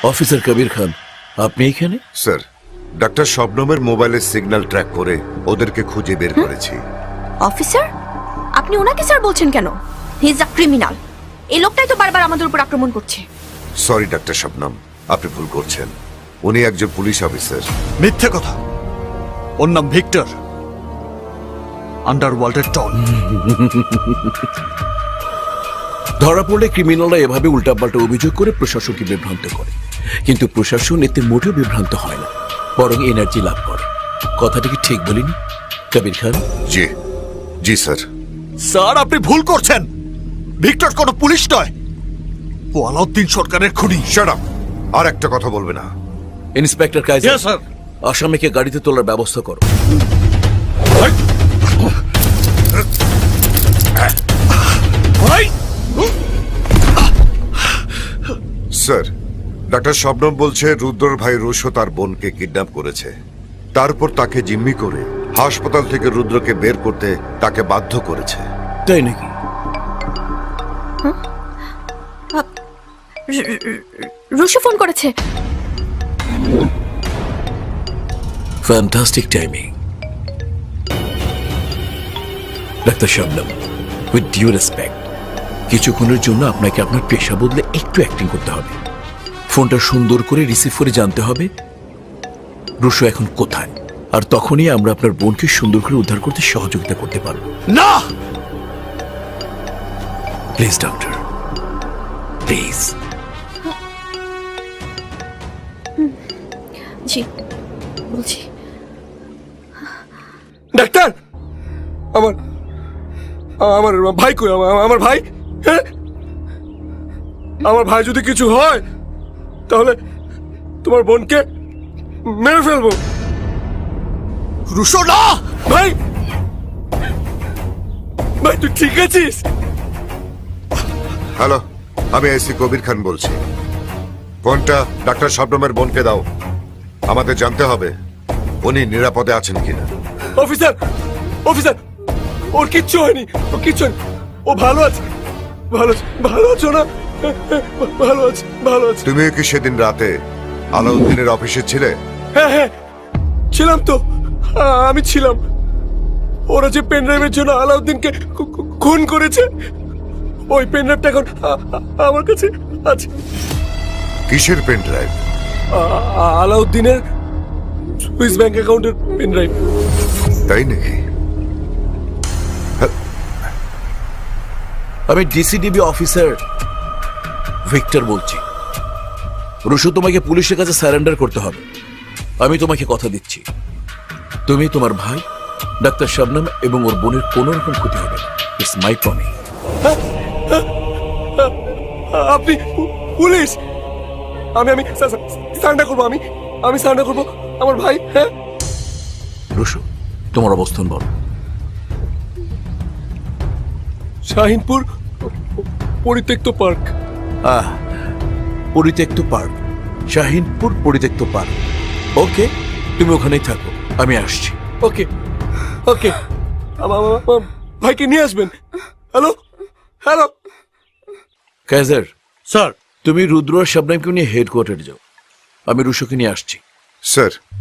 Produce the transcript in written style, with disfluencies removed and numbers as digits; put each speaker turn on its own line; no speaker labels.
Officer কবির খান, আপনি এখানে?
Sir, doctor শবনমের মোবাইলের সিগন্যাল ট্র্যাক করে ওদেরকে খুঁজে বের করেছি।
অফিসার, আপনি ওনাকে স্যার বলছেন কেন? He is a criminal. এই লোকটাই তো বারবার আমাদের উপর আক্রমণ করছে।
সরি ডাক্তার শবনম, আপনি ভুল করছেন। উনি একজন পুলিশ অফিসার।
মিথ্যে কথা। ওর নাম ভিক্টর, আন্ডারওয়ার্ল্ডের ডন।
ধরা পড়লে ক্রিমিনালরা এভাবে উল্টাপাল্টা অভিযোগ করে প্রশাসনকে বিভ্রান্ত করে, কিন্তু প্রশাসন এতে মোটেও বিভ্রান্ত হয় না, বরং এনার্জি লাভ করে। কথাটা কি ঠিক বলিনি কবির খান?
জি জি স্যার।
স্যার, আপনি ভুল করছেন। ভিক্টর কোনো পুলিশ নয়, ও আলাউদ্দিন সরকারের খুনি।
Shut up! আর একটা কথা বলবে না।
Inspector Kaiser,
Yes, sir.
আসামিকে গাড়িতে তোলার ব্যবস্থা করো।
স্যার, ডাক্তার শবনম বলছে রুদ্রর ভাই রুশো তার বোনকে কিডন্যাপ করেছে। তারপর তাকে জিম্মি করে হাসপাতাল থেকে রুদ্রকে বের করতে তাকে বাধ্য করেছে।
তাই নাকি?
রুশো ফোন করেছে।
Fantastic timing. ডাক্তার শবনম, উইথ ডিউ রেসপেক্ট, কিছুক্ষণের জন্য আপনাকে আপনার পেশা বদলে একটু অ্যাক্টিং করতে হবে। ফোনটা সুন্দর করে রিসিভ করে জানতে হবে রুশো এখন কোথায়, আর তখনই আমরা আপনার বোনকে সুন্দর করে উদ্ধার করতে সহযোগিতা করতে পারব।
না,
প্লিজ ডক্টর, প্লিজ।
জি, বলছি।
ডাক্তার, আমার আমার ভাই কই? আমার ভাই, হ্যাঁ? আমার ভাই যদি কিছু হয় তাহলে তোমার বোনকে মেরে ফেলবো।
রুশো না।
ভাই, ভাই তুই ঠিক আছিস?
হ্যালো, আমি আইসি কবির খান বলছি। ফোনটা ডাক্তার শবনমের বোনকে দাও। আমাদের জানতে হবে উনি নিরাপদে আছেন কিনা।
অফিসার, অফিসার, ওর কিচ্ছু হয়নি, ও কিচ্ছু হয়নি, ও ভালো আছে, ভালো আছে, ভালো আছো না? ভালো আছে, ভালো আছে।
তুমিও কি সেদিন রাতে আলাউদ্দিনের অফিসে ছিলে?
হ্যাঁ হ্যাঁ, ছিলাম তো, আমি ছিলাম। ওরা যে পেন ড্রাইভের জন্য আলাউদ্দিনকে খুন করেছে, ওই পেন ড্রাইভটা এখন আমার কাছে আছে।
কিসের পেন ড্রাইভ?
আলাউদ্দিনের সুইস ব্যাংক অ্যাকাউন্টের পেন ড্রাইভ।
তাই নাকি?
আমি ডিসিডিবি অফিসার ভিক্টর বলছি। রুশো, তোমাকে পুলিশের কাছে সারেন্ডার করতে হবে। আমি তোমাকে কথা দিচ্ছি, তুমি, তোমার ভাই ডাক্তার শবনম এবং ওর বোনের কোনো রকম ক্ষতি হবে না। It's my promise.
আপনি পুলিশ? আমি সারেন্ডার করবো, আমি সারেন্ডার করবো আমার ভাই। হ্যাঁ
রুশো, তোমার অবস্থান বলো।
শাহিনপুর পরিত্যক্ত পার্ক।
পরিত্যক্ত পার্ক, শাহিনপুর পরিত্যক্ত পার্ক। ওকে, তুমি ওখানেই থাকো, আমি আসছি।
ওকে ওকে, আমার ভাইকে নিয়ে আসবেন। Hello hello.
কাইজার,
স্যার,
তুমি রুদ্র আর শবনমকে নিয়ে হেডকোয়ার্টারে যাও, আমি রুশোকে নিয়ে আসছি।
স্যার,